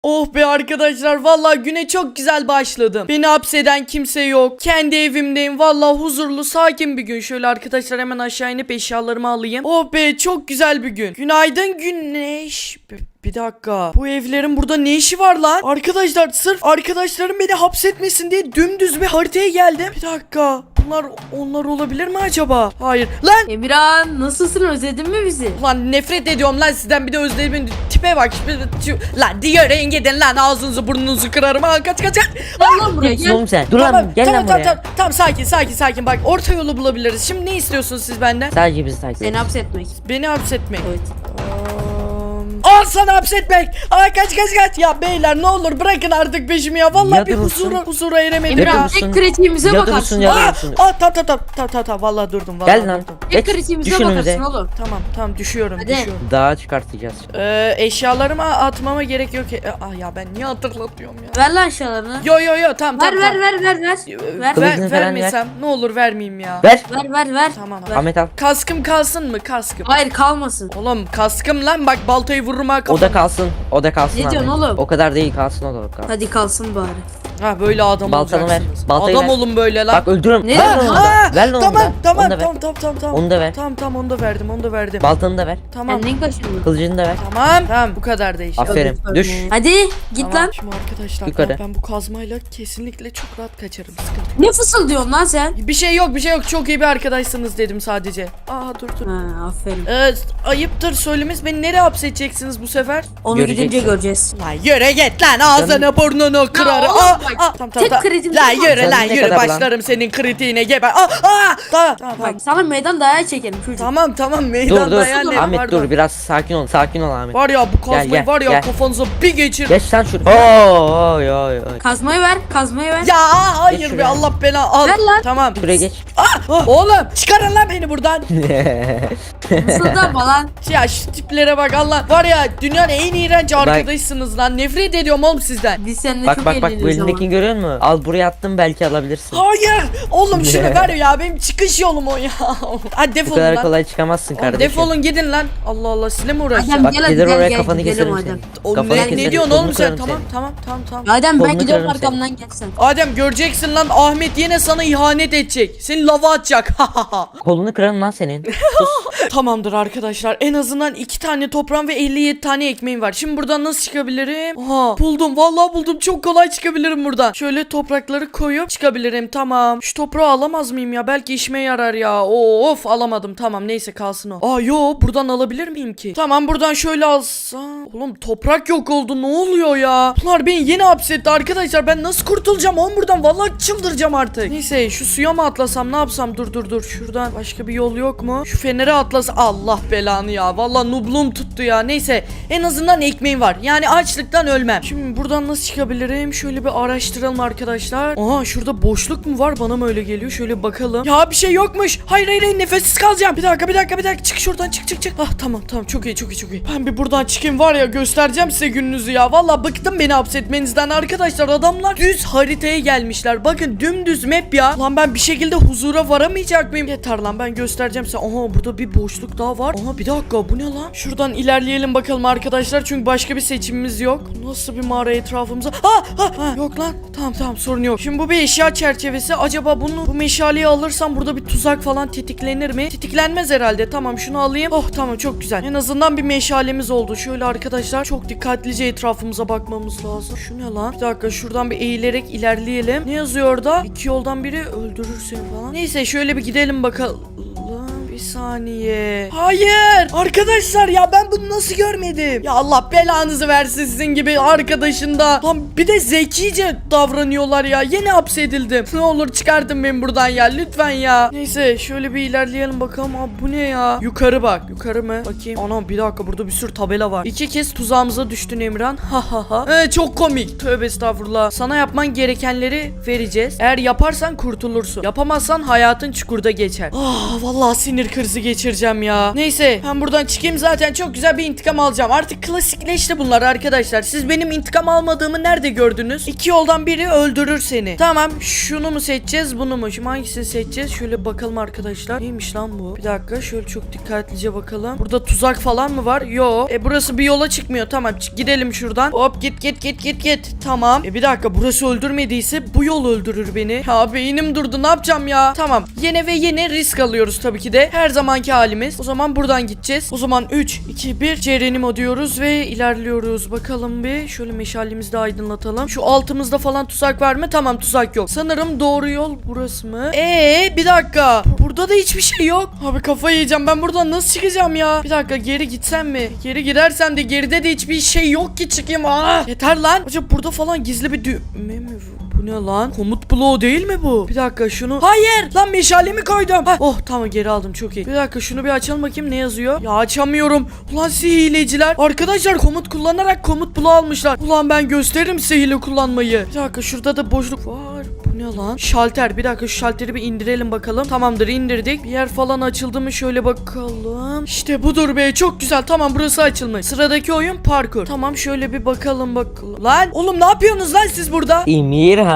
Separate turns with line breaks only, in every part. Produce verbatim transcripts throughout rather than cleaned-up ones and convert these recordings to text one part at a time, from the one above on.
Oh be arkadaşlar, vallahi güne çok güzel başladım. Beni hapseden kimse yok. Kendi evimdeyim. Vallahi huzurlu, sakin bir gün. Şöyle arkadaşlar hemen aşağı inip eşyalarımı alayım. Oh be, çok güzel bir gün. Günaydın güneş. Bir, bir dakika. Bu evlerin burada ne işi var lan? Arkadaşlar sırf arkadaşlarım beni hapsetmesin diye dümdüz bir haritaya geldim. Bir dakika. Bunlar onlar olabilir mi acaba? Hayır. Lan!
Emirhan, nasılsın, özledin mi bizi?
Lan nefret ediyorum lan sizden, bir de özlediğimin tipe bak. Lan diğer renk gidin lan, ağzınızı burnunuzu kırarım. Ha, kaç kaç kaç.
Gel lan buraya,
Gitsin
gel.
oğlum sen. Dur
Tamam,
lan gel
tamam,
lan
tamam,
buraya.
tamam, tamam, sakin sakin sakin, bak orta yolu bulabiliriz. Şimdi ne istiyorsunuz siz benden?
Sadece bizi takip
Seni
et.
hapsetmek.
Beni hapsetmek.
Evet.
Al sana hapsetmek. Ay kaç kaç kaç. Ya beyler ne olur bırakın artık peşimi ya. Vallahi
Ya
bir
durursun.
huzura, huzura eremedim
Emirhan,
ya.
durursun.
tek kritiğimize
Ya
bakarsın.
durursun ya.
Aa,
durursun.
aa, tamam tamam tamam tamam tamam, vallahi durdum vallahi
Gel lan.
durdum.
Tek
Geç,
kritiğimize
düş önümüze.
bakarsın oğlum.
Tamam tamam, düşüyorum
Hadi.
düşüyorum.
Dağa çıkartacağız.
Ee, eşyalarımı atmama gerek yok. E, ah ya ben niye hatırlatıyorum ya.
Ver lan aşağılarını.
Yo yo yo, tamam
Ver
tamam.
ver
tamam.
ver ver ver.
Ee,
Ver.
ver,
Kılıcını falan
vermesem ne olur, vermeyeyim ya.
Ver.
Ver ver ver.
Tamam.
Ver.
Ahmet al.
Kaskım kalsın mı, kaskım?
Hayır, kalmasın.
Oğlum kaskım lan, bak baltayı vururum ha
O
kafana.
da kalsın. O da kalsın
Ne
Ahmet.
diyorsun oğlum?
O kadar değil, kalsın o da kalsın.
Hadi kalsın bari.
Ha böyle adam
Baltanı ver,
olacaksınız.
baltayı
Adam
ver.
olun böyle lan.
Bak öldürürüm.
Ne
Ver
diyorsun
onu
Aa,
da. Ver lan onu
tamam
da.
tamam
Onu da ver.
tamam tamam tamam tamam.
Onu da ver.
Tamam tamam, onu da verdim, onu da verdim.
Baltanı da ver.
Tamam.
Kendin kaşındın.
Kılıcını da ver.
Tamam. Tamam, bu kadar da işte.
Aferin.
Hadi,
Düş.
Hadi git
Tamam.
lan.
Şimdi arkadaşlar
Yukarı.
tamam, ben bu kazmayla kesinlikle çok rahat kaçarım. Sıkıntı yok.
Ne fısıldıyorsun lan sen?
Bir şey yok, bir şey yok. Çok iyi bir arkadaşsınız dedim sadece. Aa dur dur.
Ha, aferin.
Ee, ayıptır söylemesi, beni nereye hapsedeceksiniz bu sefer?
Onu
Göreceksin.
gidince göreceğiz.
Lan yürü git lan, ağzını burnunu kırarım.
oğlum
Aa,
bak,
aa, tamam tamam.
tek
tamam.
kreditim
Lan
var.
yürü lan
Canın ne
yürü,
kadar lan?
başlarım senin kritiğine, geber. Aa, aa, tamam tamam tamam.
Bak sana meydan dayağı çekelim çocuk.
Tamam tamam, meydan
Dur dur.
dayağı ne?
Ahmet
Pardon.
dur, biraz sakin ol. Sakin ol Ahmet.
Var ya bu kazmayı
gel,
var ya
gel.
kafanıza bir geçir.
Geç sen şuraya. Oo, oy oy oy.
Kazmayı ver, kazmayı ver.
Ya hayır
Geç
be,
şuraya.
Allah bela al.
Ver lan.
Tamam.
Şuraya geç.
Ah, oğlum çıkarın lan beni buradan.
Fısıldama lan.
Ya şu tiplere bak, Allah. Var ya, dünyanın en iğrenç arkadaşsınız lan. Nefret ediyorum oğlum sizden.
Biz seninle
Bak
çok
bak bak, bu
eğleniyoruz ama.
elindekini görüyor musun? Al buraya attım, belki alabilirsin.
Hayır. Oğlum şunu ver ya, benim çıkış yolum o ya. Hadi
Bu
defolun
kadar
lan.
kolay çıkamazsın
Oğlum,
kardeşim.
defolun gidin lan. Allah Allah, sizinle mi uğraşacağım?
Adem
Bak
gel hadi
gelir
gel
oraya,
gel
kafanı
gidelim
keserim
Adem.
senin.
Oğlum
Kafanı
ne, ne
keserim,
diyorsun
kolunu
oğlum sen?
kırarım
Tamam
senin.
tamam tamam tamam.
Adem ben
Kolunu
gidiyorum
kırarım
arkamdan gel sen.
Adem göreceksin lan, Ahmet yine sana ihanet edecek. Seni lava atacak.
Kolunu kırarım lan senin. Sus.
Tamamdır arkadaşlar, en azından iki tane toprağım ve elli yedi tane ekmeğim var. Şimdi buradan nasıl çıkabilirim? Aha buldum, vallahi buldum, çok kolay çıkabilirim buradan. Şöyle toprakları koyup çıkabilirim. Tamam, şu toprağı alamaz mıyım ya, belki işime yarar ya. Of, alamadım, tamam neyse kalsın o. Aa yo, buradan alabilir miyim ki? Tamam, buradan şöyle alsam. Oğlum toprak yok oldu, ne oluyor ya? Bunlar beni yeni hapsetti arkadaşlar, ben nasıl kurtulacağım oğlum buradan? Vallahi çıldıracağım artık. Neyse, şu suya mı atlasam, ne yapsam? Dur dur dur, şuradan başka bir yol yok mu? Şu fenere atlas. Allah belanı ya, vallahi nubluğum tuttu ya. Neyse, en azından ekmeğim var, yani açlıktan ölmem. Şimdi buradan nasıl çıkabilirim? Şöyle bir araştıralım arkadaşlar. Aha, şurada boşluk mu var, bana mı öyle geliyor? Şöyle bakalım. Ya bir şey yokmuş. Hayır hayır hayır, nefessiz kalacağım. Bir dakika bir dakika bir dakika, çık şuradan, çık çık çık. Ah tamam tamam, çok iyi çok iyi çok iyi. Ben bir buradan çıkayım, var ya göstereceğim size gününüzü ya. Vallahi bıktım beni hapsetmenizden arkadaşlar. Adamlar düz haritaya gelmişler. Bakın dümdüz map ya. Lan ben bir şekilde huzura varamayacak mıyım? Yeter lan, ben göstereceğim size. Aha, burada bir boşluk daha var. Aha bir dakika, bu ne lan? Şuradan ilerleyelim bakalım arkadaşlar, çünkü başka bir seçimimiz yok. Nasıl bir mağara etrafımıza? Ha, ha, ha, yok lan. Tamam tamam, sorun yok. Şimdi bu bir eşya çerçevesi. Acaba bunu, bu meşaleyi alırsam burada bir tuzak falan tetiklenir mi? Tetiklenmez herhalde. Tamam, şunu alayım. Oh tamam, çok güzel. En azından bir meşalemiz oldu. Şöyle arkadaşlar çok dikkatlice etrafımıza bakmamız lazım. Şu ne lan? Bir dakika, şuradan bir eğilerek ilerleyelim. Ne yazıyor orada? İki yoldan biri öldürür seni falan. Neyse, şöyle bir gidelim bakalım. Bir saniye. Hayır. Arkadaşlar ya, ben bunu nasıl görmedim? Ya Allah belanızı versin sizin gibi arkadaşında. Lan bir de zekice davranıyorlar ya. Yeni hapsedildim. Ne olur çıkartın beni buradan ya. Lütfen ya. Neyse, şöyle bir ilerleyelim bakalım. Abi bu ne ya? Yukarı bak. Yukarı mı? Bakayım. Ana bir dakika, burada bir sürü tabela var. İki kez tuzağımıza düştün Emran. Ha ha ha. Ee, çok komik. Tövbe estağfurullah. Sana yapman gerekenleri vereceğiz. Eğer yaparsan kurtulursun. Yapamazsan hayatın çukurda geçer. Ah vallahi sinir sinir krizi geçireceğim ya. Neyse ben buradan çıkayım, zaten çok güzel bir intikam alacağım. Artık klasikleşti bunlar arkadaşlar. Siz benim intikam almadığımı nerede gördünüz? İki yoldan biri öldürür seni. Tamam, şunu mu seçeceğiz, bunu mu? Şimdi hangisini seçeceğiz? Şöyle bakalım arkadaşlar. Neymiş lan bu? Bir dakika şöyle çok dikkatlice bakalım. Burada tuzak falan mı var? Yo. E burası bir yola çıkmıyor. Tamam, gidelim şuradan. Hop git git git git git. Tamam. E bir dakika, burası öldürmediyse bu yol öldürür beni. Ya beynim durdu, ne yapacağım ya? Tamam. Yine ve yine risk alıyoruz tabii ki de. Her zamanki halimiz. O zaman buradan gideceğiz. O zaman üç, iki, bir Cerenimo diyoruz ve ilerliyoruz. Bakalım bir. Şöyle meşalemizi de aydınlatalım. Şu altımızda falan tuzak var mı? Tamam, tuzak yok. Sanırım doğru yol burası mı? Eee bir dakika. Burada da hiçbir şey yok. Abi kafayı yiyeceğim. Ben buradan nasıl çıkacağım ya? Bir dakika, geri gitsem mi? Geri gidersem de geride de hiçbir şey yok ki çıkayım. Aa, yeter lan. Acaba burada falan gizli bir düğme mi var? Bu ne lan? Komut bloğu değil mi bu? Bir dakika şunu. Hayır! Lan meşalemi koydum. Ha. Oh tamam, geri aldım, çok iyi. Bir dakika şunu bir açalım bakayım, ne yazıyor? Ya açamıyorum. Ulan siz hileciler. Arkadaşlar komut kullanarak komut bloğu almışlar. Ulan ben gösteririm size hile kullanmayı. Bir dakika şurada da boşluk var. Bu ne lan? Şalter. Bir dakika şu şalteri bir indirelim bakalım. Tamamdır, indirdik. Bir yer falan açıldı mı şöyle bakalım. İşte budur be, çok güzel. Tamam, burası açılmış. Sıradaki oyun parkur. Tamam şöyle bir bakalım bakalım. Lan oğlum ne yapıyorsunuz lan siz burada?
Emirhan.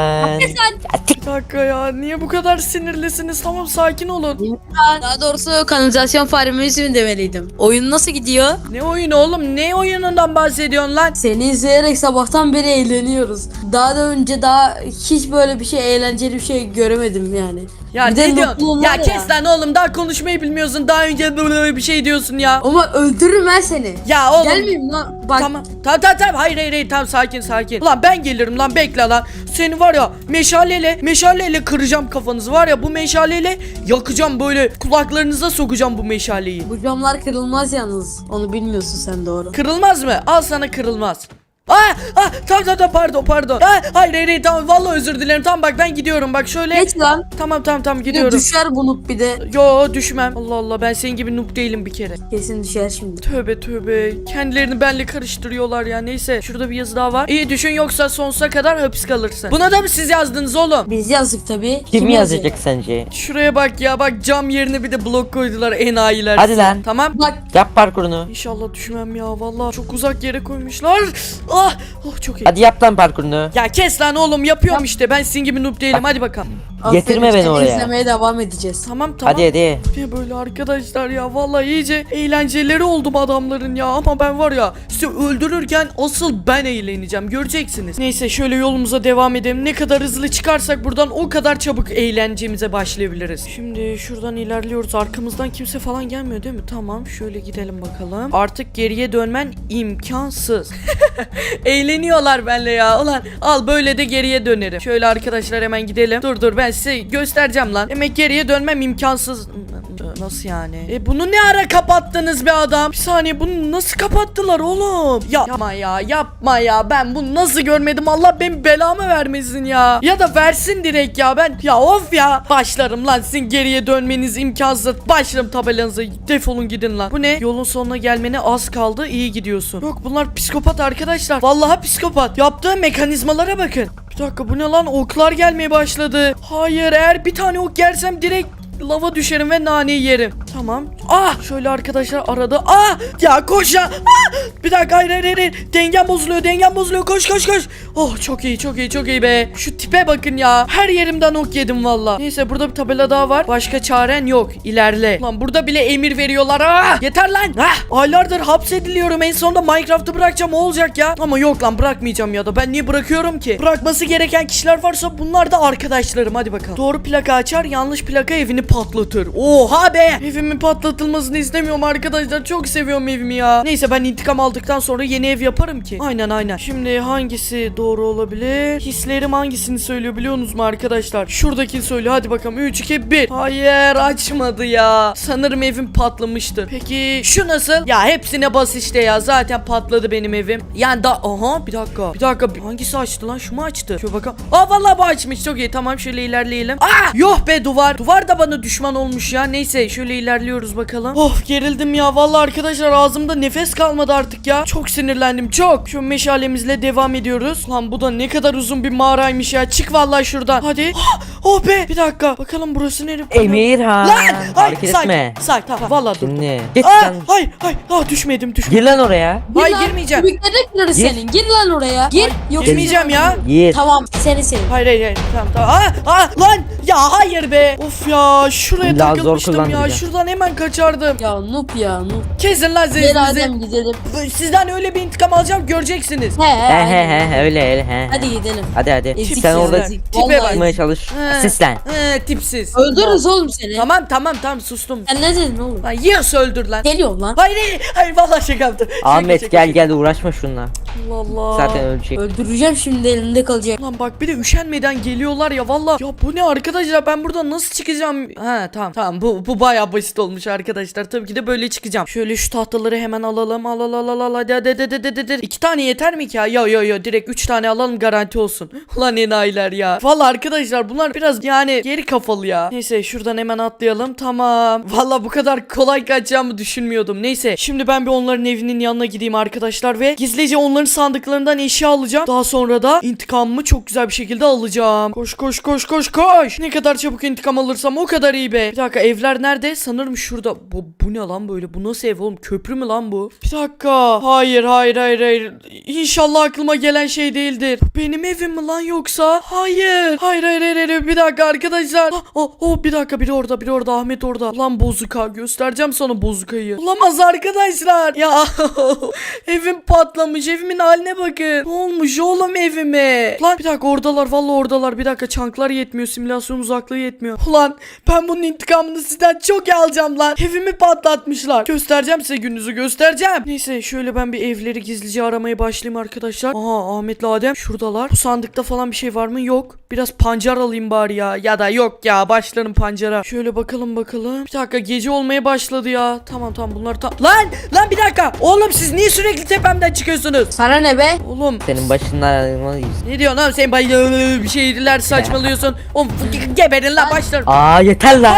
Bir dakika ya, niye bu kadar sinirlisiniz? Tamam, sakin olun.
Daha doğrusu kanalizasyon faremizi mi demeliydim? Oyun nasıl gidiyor?
Ne oyunu oğlum? Ne oyunundan bahsediyorsun lan?
Seni izleyerek sabahtan beri eğleniyoruz. Daha da önce daha hiç böyle bir şey, eğlenceli bir şey göremedim yani.
Ya
Bir de
ne diyorsun?
mutluluğum
Ya
var ya.
kes lan oğlum, daha konuşmayı bilmiyorsun. Daha önce böyle bir şey diyorsun ya.
Ama öldürürüm ben seni.
Ya oğlum.
Gelmeyeyim lan. Bak.
Tamam. Tamam tamam tamam. Hayır hayır hayır. Tamam, sakin sakin. Ulan ben gelirim lan, bekle lan. Seni var ya meşaleyle meşaleyle kıracağım kafanızı, var ya bu meşaleyle yakacağım, böyle kulaklarınıza sokacağım bu meşaleyi.
Bu camlar kırılmaz yalnız. Onu bilmiyorsun sen, doğru.
Kırılmaz mı? Al sana kırılmaz. Aa, aa, tamam tamam tamam, pardon pardon. Aa, hayır hayır hayır, tamam vallahi özür dilerim. Tamam bak, ben gidiyorum bak şöyle.
Geç lan.
Tamam tamam tamam,
Bir de
gidiyorum.
düşer bunu bir de.
Yo düşmem. Allah Allah, ben senin gibi noob değilim bir kere.
Kesin düşer şimdi.
Tövbe tövbe. Kendilerini benle karıştırıyorlar ya. Neyse, şurada bir yazı daha var. İyi düşün, yoksa sonsuza kadar hapis kalırsın. Buna da mı siz yazdınız oğlum?
Biz yazdık tabii.
Kim
yazıyor?
yazacak sence?
Şuraya bak ya, bak cam yerine bir de blok koydular, enayiler.
Hadi lan.
Tamam.
Bak
Yap parkurunu.
İnşallah düşmem ya, vallahi çok uzak yere koymuşlar. Ah, oh çok iyi.
Hadi yap lan parkurunu.
Ya kes lan oğlum, yapıyorum işte. Ben sizin gibi noob değilim. Hadi bakalım.
Getirme
aferin,
beni
seni
oraya.
izlemeye devam edeceğiz.
Tamam tamam.
Hadi hadi.
Ne böyle arkadaşlar ya, vallahi iyice eğlenceleri oldum adamların ya, ama ben var ya sizi öldürürken asıl ben eğleneceğim, göreceksiniz. Neyse şöyle yolumuza devam edelim. Ne kadar hızlı çıkarsak buradan o kadar çabuk eğlencemize başlayabiliriz. Şimdi şuradan ilerliyoruz, arkamızdan kimse falan gelmiyor değil mi? Tamam, şöyle gidelim bakalım. Artık geriye dönmen imkansız. Eğleniyorlar benimle ya. Ulan al, böyle de geriye dönerim. Şöyle arkadaşlar hemen gidelim. Dur dur, ben size göstereceğim lan. Demek geriye dönmem imkansız. Nasıl yani? E bunu ne ara kapattınız be adam? Bir saniye, bunu nasıl kapattılar oğlum? Ya, yapma ya, yapma ya. Ben bunu nasıl görmedim? Allah benim belamı vermesin ya. Ya da versin direkt ya. Ben ya of ya. Başlarım lan sizin geriye dönmeniz imkansız. Başlarım tabelanıza. Defolun gidin lan. Bu ne? Yolun sonuna gelmene az kaldı. İyi gidiyorsun. Yok, bunlar psikopat arkadaşlar. Vallahi psikopat. Yaptığı mekanizmalara bakın. Bir dakika, bu ne lan? Oklar gelmeye başladı. Hayır, eğer bir tane ok yersem direkt lava düşerim ve naneyi yerim. Tamam. Ah, şöyle arkadaşlar arada. Ah, ya koş ya. Ah, bir dakika, hayır hayır hayır. Dengem bozuluyor, dengem bozuluyor. Koş koş koş. Oh çok iyi, çok iyi, çok iyi be. Şu tipe bakın ya. Her yerimden ok yedim valla. Neyse, burada bir tabela daha var. Başka çaren yok. İlerle. Lan burada bile emir veriyorlar. Ah, yeter lan. Ah, aylardır hapsediliyorum. En sonunda Minecraft'ı bırakacağım, o olacak ya. Ama yok lan, bırakmayacağım ya da. Ben niye bırakıyorum ki? Bırakması gereken kişiler varsa bunlar da arkadaşlarım. Hadi bakalım. Doğru plaka açar, yanlış plaka evini patlatır. Oha be. Evimin patlatılmasını istemiyorum arkadaşlar. Çok seviyorum evimi ya. Neyse, ben intikam aldıktan sonra yeni ev yaparım ki. Aynen aynen. Şimdi hangisi doğru olabilir? Hislerim hangisini söylüyor biliyorsunuz mu arkadaşlar? Şuradakini söylüyor. Hadi bakalım. üç iki bir. Hayır, açmadı ya. Sanırım evim patlamıştı. Peki şu nasıl? Ya hepsine bas işte ya. Zaten patladı benim evim. Yani da aha bir dakika. Bir dakika. Hangisi açtı lan? Şu mu açtı? Şöyle bakalım. Aa vallahi bu açmış. Çok iyi. Tamam, şöyle ilerleyelim. Aa! Yok be, duvar. Duvar da bana düşman olmuş ya. Neyse şöyle ilerliyoruz bakalım. Of, gerildim ya. Vallahi arkadaşlar ağzımda nefes kalmadı artık ya. Çok sinirlendim, çok. Şu meşalemizle devam ediyoruz. Lan bu da ne kadar uzun bir mağaraymış ya. Çık vallahi şuradan. Hadi. Oh be. Bir dakika. Bakalım burası nereye?
Emirhan.
Lan!
Hareket
sakin,
etme.
sakin. Tamam vallahi dur.
Şimdi. Git
Aa,
sen.
hayır hayır. Aa, düşmedim düşmedim.
Gir lan oraya.
Hayır,
Gir lan,
girmeyeceğim.
Kübikleri kırarız
Gir.
senin. Gir lan oraya. Gir. Yok.
Girmeyeceğim ya.
Gir.
Tamam seni senin.
Hayır hayır hayır. Tamam tamam. Aa, aa, lan ya hayır be. Of ya şuraya
İlla zor
takılmıştım ya.
kullandıracağım.
Şuradan hemen kaçardım.
Ya noob ya noob.
Kesin lan
Gel
zevzinizi.
Adem gidelim.
Sizden öyle bir intikam alacağım göreceksiniz.
He he.
He he
hadi.
he öyle öyle he.
Hadi gidelim.
Hadi hadi.
Ezik
Sen
ya.
orada
Ezik.
Tipe
Vallahi
bak.
çıkmaya çalış.
He.
Asistan.
Ee, tipsiz.
Öldürürüz oğlum seni.
Tamam tamam tamam sustum.
Sen ne dedin oğlum?
Lan yiyorsa öldür lan.
Geliyorum lan.
Hayır hayır hayır vallahi şaka yaptım. Şaka,
Ahmet
şaka,
gel
şaka.
gel uğraşma şununla.
Allah Allah.
Zaten ölecek.
Öldüreceğim şimdi elinde kalacak.
Lan bak bir de üşenmeden geliyorlar ya valla. Ya bu ne arkadaşlar ben buradan nasıl çıkacağım? Ha tamam tamam bu bu bayağı basit olmuş arkadaşlar. Tabii ki de böyle çıkacağım. Şöyle şu tahtaları hemen alalım. Al al al al al hadi hadi hadi hadi hadi, hadi. İki tane yeter mi ki ya? Yo yo yo direkt üç tane alalım garanti olsun. Ulan enayiler ya. Valla arkadaşlar bunlar biraz yani geri kafalı ya. Neyse şuradan hemen atlayalım. Tamam. Valla bu kadar kolay kaçacağımı düşünmüyordum. Neyse şimdi ben bir onların evinin yanına gideyim arkadaşlar ve gizlice onların sandıklarından eşya alacağım. Daha sonra da intikamımı çok güzel bir şekilde alacağım. Koş koş koş koş koş. Ne kadar çabuk intikam alırsam o kadar iyi be. Bir dakika evler nerede? Sanırım şurada. Bu, bu ne lan böyle? Bu nasıl ev oğlum? Köprü mü lan bu? Bir dakika. Hayır hayır hayır hayır. İnşallah aklıma gelen şey değildir. Bu benim evim mi lan yoksa? Hayır. Hayır hayır hayır. hayır. Bir dakika arkadaşlar. Oh, oh, oh bir dakika biri orada biri orada. Ahmet orada. Lan bozuka. Göstereceğim sana bozukayı. Olamaz arkadaşlar. Ya evim patlamış. Evimin haline bakın. Ne olmuş oğlum evime? Lan bir dakika oradalar. Vallahi oradalar. Bir dakika çanklar yetmiyor. Simülasyon uzaklığı yetmiyor. Ulan ben bunun intikamını sizden çok iyi alacağım lan. Evimi patlatmışlar. Göstereceğim size gününüzü göstereceğim. Neyse şöyle ben bir evleri gizlice aramaya başlayayım arkadaşlar. Aha Ahmet'le Adem şuradalar. Bu sandıkta falan bir şey var mı? Yok. Biraz pancar alayım bari ya. Ya da yok ya başlarım pancara. Şöyle bakalım bakalım. Bir dakika gece olmaya başladı ya. Tamam tamam bunlar tam. Lan lan bir dakika. Oğlum siz niye sürekli tepemden çıkıyorsunuz?
Sana ne be?
Oğlum
Senin başından
ne diyorsun oğlum sen bay bir şeyler saçmalıyorsun. Oğlum ge- geberin lan başlarım.
Aa yeter lan.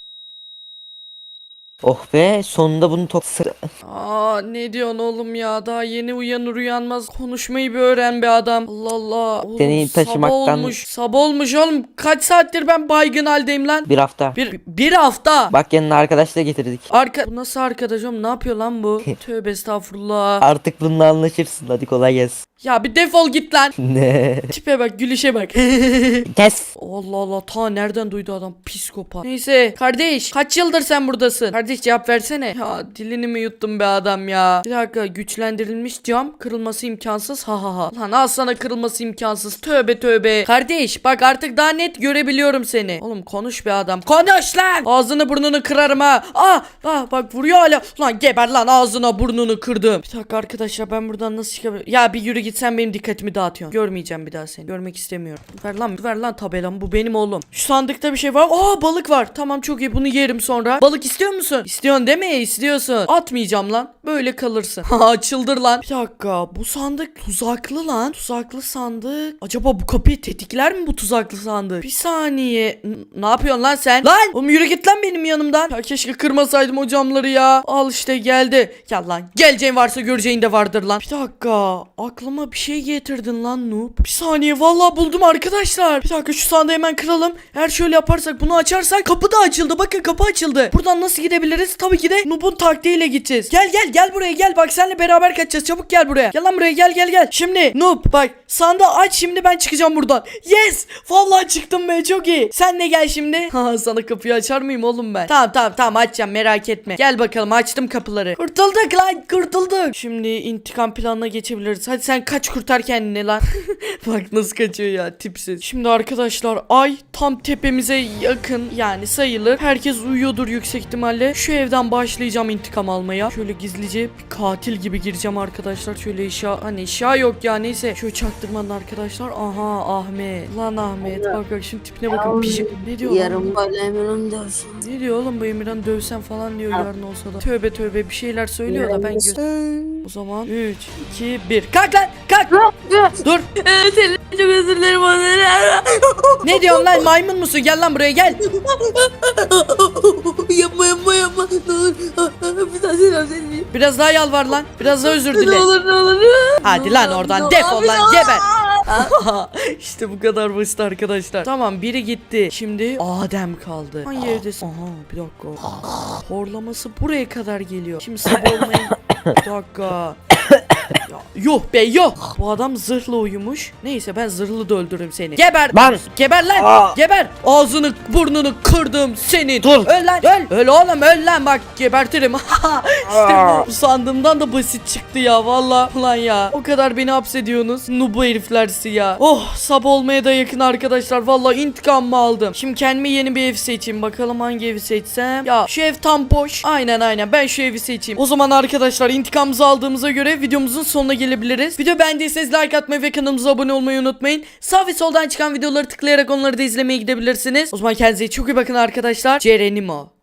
Oh be sonunda bunu top sıra.
Aa ne diyorsun oğlum ya daha yeni uyanır uyanmaz konuşmayı bir öğren be adam. Allah Allah. Oğlum,
Seni taşımaktan-
Sabah olmuş. Sabah olmuş oğlum. Kaç saattir ben baygın haldeyim lan?
Bir hafta.
Bir, bir hafta.
Bak yanına arkadaş da getirdik.
Arka bu nasıl arkadaş oğlum ne yapıyor lan bu? Tövbe estağfurullah.
Artık bununla anlaşırsın. Hadi kolay gelsin.
Ya bir defol git lan.
Ne?
Tipe bak gülüşe bak.
Kes.
Allah Allah ta nereden duydu adam psikopat. Neyse kardeş kaç yıldır sen buradasın? Kardeş cevap versene. Ya dilini mi yuttun be adam ya? Bir dakika güçlendirilmiş cam kırılması imkansız ha ha ha. Lan al sana kırılması imkansız tövbe tövbe. Kardeş bak artık daha net görebiliyorum seni. Oğlum konuş be adam konuş lan. Ağzını burnunu kırarım ha. Ah, ah bak vuruyor hala. Lan geber lan ağzına burnunu kırdım. Bir dakika arkadaşlar ben buradan nasıl çıkabilirim? Ya bir yürü git sen benim dikkatimi dağıtıyorsun. Görmeyeceğim bir daha seni. Görmek istemiyorum. Ver lan ver lan tabelamı bu benim oğlum. Şu sandıkta bir şey var. Aa balık var. Tamam çok iyi bunu yerim sonra. Balık istiyor musun? İstiyorsun değil mi? İstiyorsun. Atmayacağım lan. Böyle kalırsın. Ha çıldır lan. Bir dakika bu sandık tuzaklı lan. Tuzaklı sandık. Acaba bu kapıyı tetikler mi bu tuzaklı sandık? Bir saniye. N- ne yapıyorsun lan sen? Lan! Oğlum yürü git lan benim yanımdan. Ya keşke kırmasaydım o camları ya. Al işte geldi. Gel lan. Geleceğin varsa göreceğin de vardır lan. Bir dakika. Aklıma bir şey getirdin lan noob. Bir saniye vallahi buldum arkadaşlar. Bir dakika şu sandığı hemen kıralım. Eğer şöyle yaparsak bunu açarsak kapı da açıldı. Bakın kapı açıldı. Buradan nasıl gidebiliriz? Tabii ki de noob'un taktiğiyle gideceğiz. Gel gel gel buraya gel. Bak seninle beraber kaçacağız. Çabuk gel buraya. Gel lan buraya gel gel gel. Şimdi noob bak sandığı aç şimdi ben çıkacağım buradan. Yes! Vallahi çıktım be çok iyi. Sen de gel şimdi. Ha sana kapıyı açar mıyım oğlum ben? Tamam tamam tamam açacağım merak etme. Gel bakalım açtım kapıları. Kurtulduk lan kurtulduk. Şimdi intikam planına geçebiliriz. Hadi sen kaç kurtar kendini lan. Bak nasıl kaçıyor ya tipsiz. Şimdi arkadaşlar ay tam tepemize yakın yani sayılır. Herkes uyuyordur yüksek ihtimalle. Şu evden başlayacağım intikam almaya. Şöyle gizlice bir katil gibi gireceğim arkadaşlar. Şöyle eşya hani eşya yok ya neyse. Şöyle çaktırmadan arkadaşlar. Aha Ahmet. Lan Ahmet. Bak bak şimdi tipine bakın. Pijim. Ne diyor lan?
Yarın böyle Emirhan dersin.
Ne diyor oğlum bu Emirhan dövsen falan diyor yarın olsa da. Tövbe tövbe bir şeyler söylüyor da ben gö- O zaman üç, iki, bir. Kalk lan kalk. Dur.
Evet Elif, çok özür dilerim onları.
Ne diyorsun lan maymun musun? Gel lan buraya gel.
Yapma yapma yapma. Ne olur. Bir daha selam seni.
Biraz daha yalvar lan. Biraz daha özür
Ne
dile.
olur ne olur.
Hadi lan oradan
Ne
defol
olur,
lan
ne
geber.
olur.
İşte bu kadar basit arkadaşlar. Tamam biri gitti. Şimdi Adem kaldı. Hangi evdesin? Aha bir dakika. Horlaması buraya kadar geliyor. Şimdi sabah olmayın. Bir dakika. Ya, yuh be yuh. Bu adam zırhlı uyumuş. Neyse ben zırhlı da öldürürüm seni. Geber.
Lan.
Geber lan.
Aa.
Geber. Ağzını burnunu kırdım senin.
Dur.
Öl lan. Öl. Öl oğlum öl lan bak gebertirim. İşte bu. Bu sandığımdan da basit çıktı ya valla. Ulan ya. O kadar beni hapsediyorsunuz. Nubu heriflersi ya. Oh sabah olmaya da yakın arkadaşlar. Valla intikamımı aldım. Şimdi kendime yeni bir ev seçeyim. Bakalım hangi evi seçsem. Ya şu ev tam boş. Aynen aynen ben şu evi seçeyim. O zaman arkadaşlar intikamımızı aldığımıza göre videomuzun sonuna gelebiliriz. Video beğendiyseniz like atmayı ve kanalımıza abone olmayı unutmayın. Sağ ve soldan çıkan videoları tıklayarak onları da izlemeye gidebilirsiniz. O zaman kendinize çok iyi bakın arkadaşlar. Cerenimo.